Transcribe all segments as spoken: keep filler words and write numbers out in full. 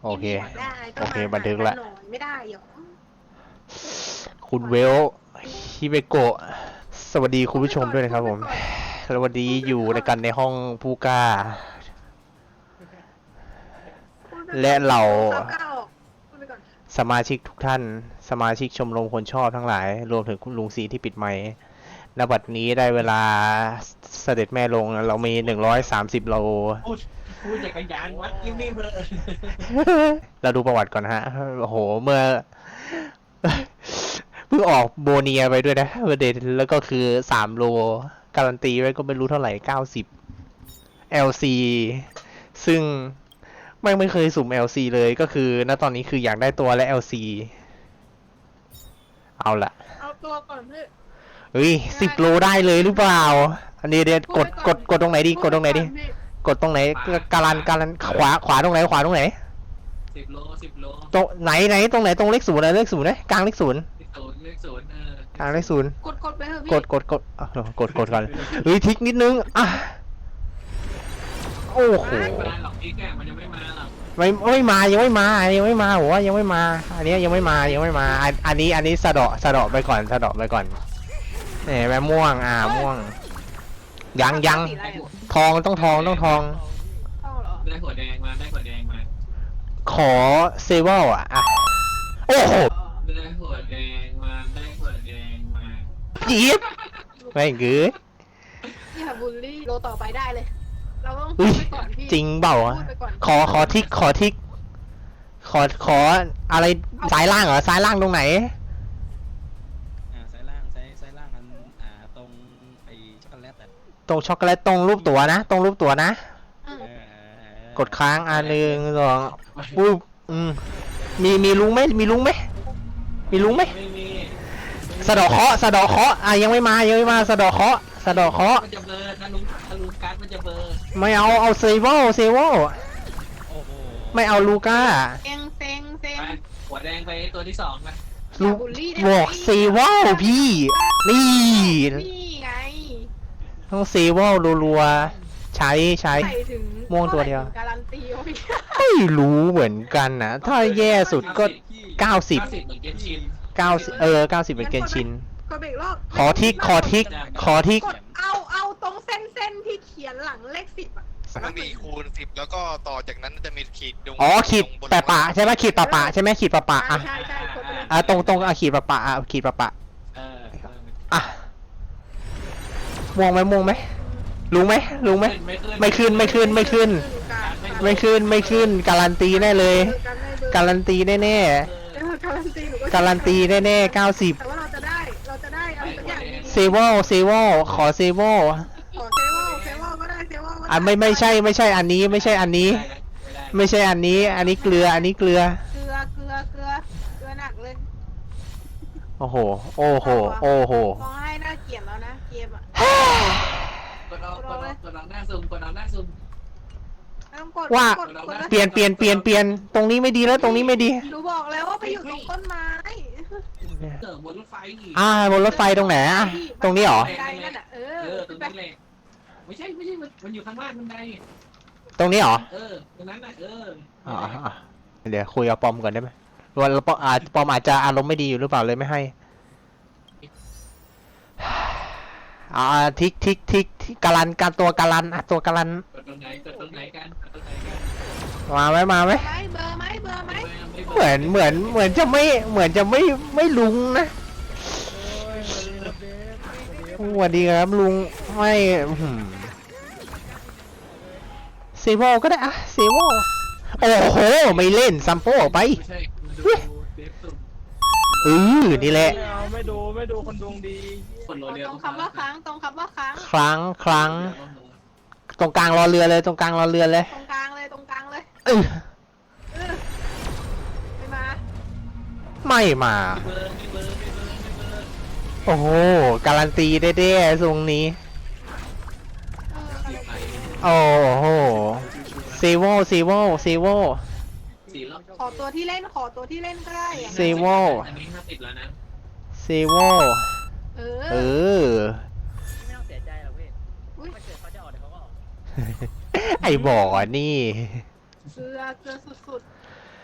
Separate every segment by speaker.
Speaker 1: โอเค
Speaker 2: ได้ก็
Speaker 1: โอเค
Speaker 2: มา
Speaker 1: บันทึกละ
Speaker 2: หาไม่ได้หรอ
Speaker 1: คุณเวลฮิเบโกะสวัสดีคุณผู้ชมด้วยนะครับผมแล้ววันนี้อยู่ในกันในห้องผู้กล้า และเรา สมาชิกทุกท่านสมาชิกชมรมคนชอบทั้งหลาย รวมถึงคุณลุงสีที่ปิดไมค์ณบัดนี้ได้เวลาเสด็จแม่ลงเรามีหนึ่งร้อยสามสิบโล
Speaker 3: พูดพูดจักรยานวัดยิ้มนี่เพอ
Speaker 1: เราดูประวัติก่อนนะฮะโอ้โหเมื่อ เพิ่งออกโบเนียไปด้วยนะประเด็นแล้วก็คือสามโลการันตีไว้ก็ไม่รู้เท่าไหร่เก้าสิบ แอล ซี ซึ่งไม่ไม่เคยสุ่ม แอล ซี เลยก็คือณตอนนี้คืออยากได้ตัวและ แอล ซี เอาละ
Speaker 2: เอาตัวก่อนเพื่อ
Speaker 1: เฮ้ยสิบโลได้เลยหรือเปล่าอันนี้เดี๋ยวกดกดกดตรงไหนดีกดตรงไหนดีกดตรงไหนการันการันขวาขวาตรงไหนขวาตรงไหน
Speaker 3: สิบโลสิบโล
Speaker 1: ตรงไหนไหนตรงไหนตรงเลขศูนย์นะเลขศูนย์นะกลางเลขศูนย์
Speaker 3: เลขศูนย์เลขศูนย์เออก
Speaker 1: ลางเลขศูนย์
Speaker 2: กดกดไปเถอะพี่
Speaker 1: กดกดกดอ่ะกดกดก่อนเฮ้ยทิกนิดนึงอ่ะโอ้โห
Speaker 3: ไม่มาหรอกอีกแกมันยังไม่มาหรอก
Speaker 1: ไม่ไม่มายังไม่มายังไม่มาโหยังไม่มา อันนี้ยังไม่มายังไม่มาอันอันนี้อันนี้สะเดาะสะเดาะไปก่อนสะเดาะไปก่อนเนี่ยแม่ม่วงอ่าม่วงยังยังทองต้องทองต้องทอง
Speaker 2: เข้าเหรอ
Speaker 3: ได้หัวแดงมาได้หัวแดงมา
Speaker 1: ขอเซเวลอ่ะอ่ะโอ้โห
Speaker 3: ได้หัวแดงมาได้หัวแดงมา
Speaker 1: จี๊บไม่เกือ
Speaker 2: อย่าบูลลี่โลต่อไปได้เลย เราต้องพู
Speaker 1: อุ้
Speaker 2: ด
Speaker 1: ย
Speaker 2: ไปก่อนพี่
Speaker 1: จริงเปล่า
Speaker 2: พู
Speaker 1: อะ
Speaker 2: ดไปก่อน
Speaker 1: ขอขอทิกขอทิกขอขออะไรซ้ายล่างเหรอซ้ายล่างตรงไหน
Speaker 4: อ่าซ้ายล่างซ้ายซ้ายล่างมันอ่าตรงไอ้ช็อกโกแลตอ่ะ
Speaker 1: ตรงช็อกโกแลตตรงรูปตั๋วนะ ตรงรูปตั๋วนะ
Speaker 2: อืม
Speaker 4: เออเออเออก
Speaker 1: ดค้างอันหนึ่งสองปุ๊บอืมมีมีลุงไหมมีลุงไหมมีลุงไหม
Speaker 3: ไม่มี
Speaker 1: สะเดาะเคราะห์สะเดาะเคราะห์อ่ะยังไม่มายังไม่มาสะเดาะเคราะห์สะเดาะเคราะห์
Speaker 3: มันจะเบลอถ้าลุงถ้าลุงการ์ดมันจะเบลอ
Speaker 1: ไม่เอาเอาเซเวลเซเวล
Speaker 4: โอ้โห
Speaker 1: ไม่เอาลูก้า
Speaker 2: เซ็งเซ็งเซ็ง
Speaker 3: ไปหัวแดงไปตัวที่สองไป
Speaker 1: ลู
Speaker 2: อย่าบูลลี่ได้ไหม
Speaker 1: บอกเซเวลพี่ นี่
Speaker 2: นี่ไง
Speaker 1: ต้องเซเวลรัวๆใช้ใช้
Speaker 2: ใส่ถึง
Speaker 1: ม่วงตัวเดียว
Speaker 2: ท่าไหร่ถึงการันตีวะพี่
Speaker 1: ไม่รู้เหมือนกันนะถ้าแย่สุดก็เก้าสิบ
Speaker 3: เก้าสิบเหมือนเกนชิน
Speaker 1: เก้าสิบเออเก้าสิบเป็นเกนชิน
Speaker 2: กดเบรกรอบ
Speaker 1: ขอทิกขอทิกขอทิก
Speaker 2: กดเอาเอาตรงเส้นเส้นที่เขียนหลังเลขสิบอ่ะ
Speaker 5: มันมีคูณสิบแล้วก็ต่อจากนั้นจะมีขีดดง
Speaker 1: อ๋อขีด
Speaker 5: งบน
Speaker 1: แปะปะใช่ไหมขีดปะปะใช่ไหมขีดปะปะอ่ะ
Speaker 2: ใช่ใช่กดไปเลย
Speaker 1: อ่ะตรงตรงอ่ะขีดปะปะอ่ะขีดปะปะ
Speaker 3: เออเออ
Speaker 1: อ่ะม่วงไหมม่วงไหมลุงไหมลุงไหมไม่ขึ้นไม่ขึ้นไม่ขึ้น ไม่ขึ้นไม่ขึ้นการันตีแน่เลย การันตีแน่แน่
Speaker 2: เออการันตีหนูก็
Speaker 1: การันตีแน่แน่เก้าสิบ
Speaker 2: แต่ว่าเราจะได้เราจะได้อะไรสักอย่างดี
Speaker 1: เซเวลเซเวลขอเซเวล
Speaker 2: ขอเซเวลเซเวลก็ได้เซเวลก็ได้
Speaker 1: อ่ะไม่ไม่ใช่ไม่ใช่อันนี้ไม่ใช่อันนี้ ไม่ใช่อันนี้ อันนี้เกลืออันนี้เกลือ
Speaker 2: เกลือเกลือเกลือเกลือหนักเลย
Speaker 1: โอ้โหโอ้โหโอ้โห
Speaker 2: มองให้น่าเกลียดแล้วนะเกมอ่ะ
Speaker 3: กดเอากดเอากดเอาหน้าซูมกดเอาหน้าซูม
Speaker 2: ไม่ต้องกด
Speaker 1: ว่า
Speaker 2: กดกด
Speaker 1: เปลี่ยนเปลี่ยนเปลี่ยนเปลี่ยนตรงนี้ไม่ดีแล้วตรงนี้ไม่ดี
Speaker 2: หนูบอกแล้วว่าไปอยู่ตรงต้นไม้
Speaker 3: เติมบนรถไฟอีก
Speaker 1: อ่าบนรถไฟตรงไหนอ่ะตรงนี้เหรอ
Speaker 2: บันไดนั่นอ่ะเอ
Speaker 3: เอ
Speaker 2: อ
Speaker 3: อตรงนั้นแหละไม่ใช่ไม่ใช่มันมันอยู่ข้างล่างบันได
Speaker 1: ตรงนี้เหรอ
Speaker 3: เออตรงนั้นน่ะเออ
Speaker 1: อ๋ออ๋อเดี๋ยวคุยกับปอมก่อนได้ไหมว่าปอมอาจปอมอาจจะอารมณ์ไม่ดีอยู่หรือเปล่าเลยไม่ให้อ่าทิกทิกทิกทิกการันการตัวการันอ่ะตัวการัน
Speaker 3: กดตรงไหนกดตรงไหนกันกดตรงไหนกัน
Speaker 1: มาไหมมาไหม
Speaker 2: ไหมเบอร์ไหมเบอร์ไหม
Speaker 1: เหมือนเหมือนเหมือนจะไม่เหมือนจะไม่ไม่ลุงนะสวัสดีครับลุงไม่หืมเซเวลก็ได้อะเซเวลโอ้โหไม่เล่นซัมโปออกไป
Speaker 3: ไม่ใช่ดูเดฟสุ่ม
Speaker 1: เออนี่แหละ
Speaker 4: ไม่เอาไม่ดูไม่ดูคนดวงดี
Speaker 3: คนโร
Speaker 2: ต
Speaker 3: เรีย
Speaker 2: รงคำว่าค้างตรงคำว่าค้าง
Speaker 1: ครั้งครั้งตรงกลางรอเรือเลยตรงกลางรอเรือเลย
Speaker 2: ตรงกลางเลยตรงกลางเลย
Speaker 1: เออ
Speaker 2: เออไม่มา
Speaker 1: ไม่มา
Speaker 3: เบอร์ไม่เบอร์ไม่เบอร์ไม่เบอร์
Speaker 1: โอ้โหการันตีได้ๆทรงนี้
Speaker 2: เอออะไร
Speaker 1: โอ้โหเซเวลเซเวลเซเวล
Speaker 3: สี่รอบ
Speaker 2: ขอตัวที่เล่นขอตัวที่เล่นก็ได้อะ
Speaker 1: เซเวล
Speaker 3: อันนี้ห้าสิบแล้วนะ
Speaker 1: เซเวล
Speaker 2: เอ
Speaker 1: เอ
Speaker 2: อ
Speaker 1: อ
Speaker 4: ไม่ต้องเสียใจหรอกพี่
Speaker 2: อุ้ย
Speaker 4: ถ้าเกิดเขาจะออกเดี๋ยวเขาก็ออก
Speaker 1: ไอ้บ่อนี่
Speaker 2: เกลือเกลือสุด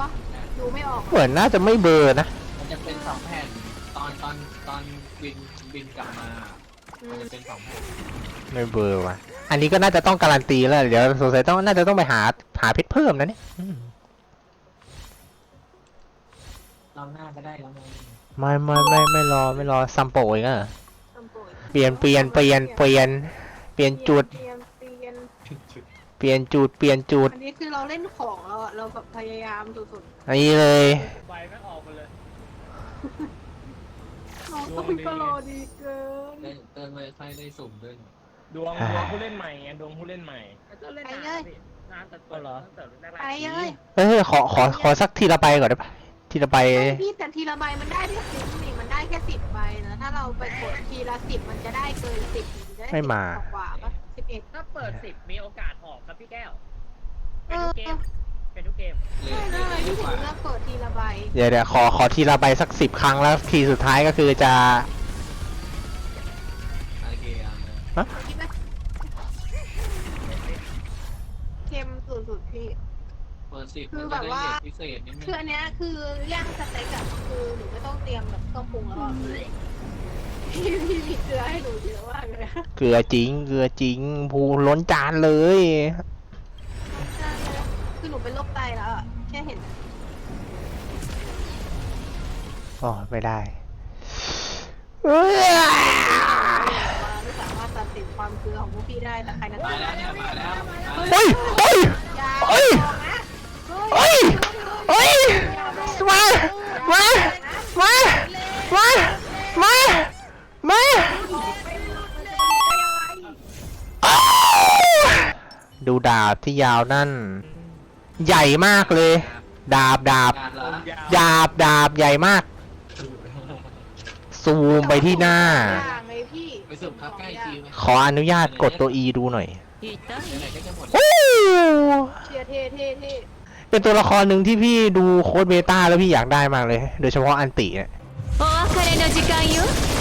Speaker 2: วะดูไม่ออก
Speaker 1: เหมือนน่าจะไม่เบลอร์นะ
Speaker 3: มันจะเป็นสองแผ่นตอนตอนตอนบินบินกลับมา
Speaker 2: อื
Speaker 3: มัน
Speaker 2: ม
Speaker 3: จะเป็นสองแผ่น
Speaker 1: ไม่เบลอร์ว่ะอันนี้ก็น่าจะต้องการันตีแล้วเดี๋ยวสงสัยต้องน่าจะต้องไปหาหาเพชรเพิ่มนะเนี่ยอืม
Speaker 3: รอบหน้าก็ได้แล้วไง
Speaker 1: ไม่ไม่ไม่ไม่รอไม่รอซัมโปอีกอ่ะ
Speaker 2: ทำโปรย
Speaker 1: เปลี่ยนเปลี่ยนเปลี่ยนเปลี่ยนเปลี่ยนจุด
Speaker 2: เปลี่ยนเปลี่ยน
Speaker 1: เปลี่ยนจุดเปลี่ยนจุด
Speaker 2: อันนี้คือเราเล่นของเราอะเราแบบพยายามสุด
Speaker 1: อันนี้เลย
Speaker 6: ใบไม่ออกมาเลย
Speaker 2: ๆน้องต้นก็รอดีเกิน
Speaker 3: ได้เติมเลยค่อยได้สุ่มด้วย
Speaker 6: ดวงดวงผู้เล่นใหม่ไงดวงผู้เล่นใหม่
Speaker 7: ก็เล่นนานพี่นานแต่เปิดตั้งแต่แรก
Speaker 2: ไปเลย
Speaker 1: เฮ้ยขอขอขอสักทีละใบก่อนได้ปะทีละใบ
Speaker 2: ไม่พี่แต่ทีละใบมันได้แค่สิบนี่มันได้แค่สิบใบนะถ้าเราไปกดทีละสิบมันจะได้เกินสิบนจะด้
Speaker 1: ไม่มา
Speaker 2: สิบกว่าปะสิบเอ็ด
Speaker 7: ถ้าเปิดสิบมีโอกาสออกครับพี่แก้ว เป็นทุกเกม เป็นทุกเกม
Speaker 3: เลย
Speaker 2: ใช่
Speaker 3: เล
Speaker 2: เลย ย
Speaker 3: ดี
Speaker 2: ที่
Speaker 3: ก
Speaker 2: ถึ
Speaker 3: ว่าง
Speaker 2: เลือกเปิดทีละใบ
Speaker 1: เดี๋ยวเดี๋ยวขอขอทีละใบสักสิบครั้งแล้วทีสุดท้ายก็คือจะ
Speaker 3: โอเคเอาเลย
Speaker 2: คิดไหมเค็มสุดๆพี่
Speaker 3: เปิดสิบ
Speaker 2: คื
Speaker 3: มัน
Speaker 2: อแบ
Speaker 3: จะ
Speaker 2: บ
Speaker 3: ได้
Speaker 2: ว่า
Speaker 3: เด็กพิเศษนิดนึ
Speaker 2: คือง อันเนี้ยคือย่างสเต็กอะคือหนูไม่ต้องเตรียมแบบเครื่องปรุงแล้วอะพี่พี่มีเกลือให้หนูเยอะมากเลยอะ
Speaker 1: เกลือจริงเกลือจริงพูล้นจานเลย
Speaker 2: ใช่คือหนูเป็นโรคไตแล้วอะแค่เห็น
Speaker 1: อ๋อไม่ได้เอ้ย
Speaker 2: ว่าไม่สามารถตัดสินความเกลือของพวกพี่ได้แต่ใครนะ
Speaker 3: มาแล้วเนี่ยมาแล้วมาแล้ว
Speaker 1: เฮ้ยเฮ้ย
Speaker 2: ยา
Speaker 1: เฮ้ย
Speaker 2: เฮ้ย
Speaker 1: เฮ้ยมา มา มา มา มา มาอ้าวดูดาบที่ยาวนั่น ใหญ่มากเลย ดาบดาบ
Speaker 3: การละ
Speaker 1: ดาบดาบใหญ่มาก ซูมไปที่หน้า
Speaker 2: อย่างเลยพี่
Speaker 3: ไปสุ่มครับใกล้คิวไหม
Speaker 1: ขออนุญาตกดตัว E ดูหน่อย
Speaker 3: ไหนๆก็จะหมด
Speaker 1: โอ้
Speaker 2: เชียร์เท่เท่เท่
Speaker 1: เป็นตัวละครหนึ่งที่พี่ดูโค้ดเบต้าแล้วพี่อยากได้มากเลย โดยเฉพาะอันติเนี่ย
Speaker 8: お別れの時間よ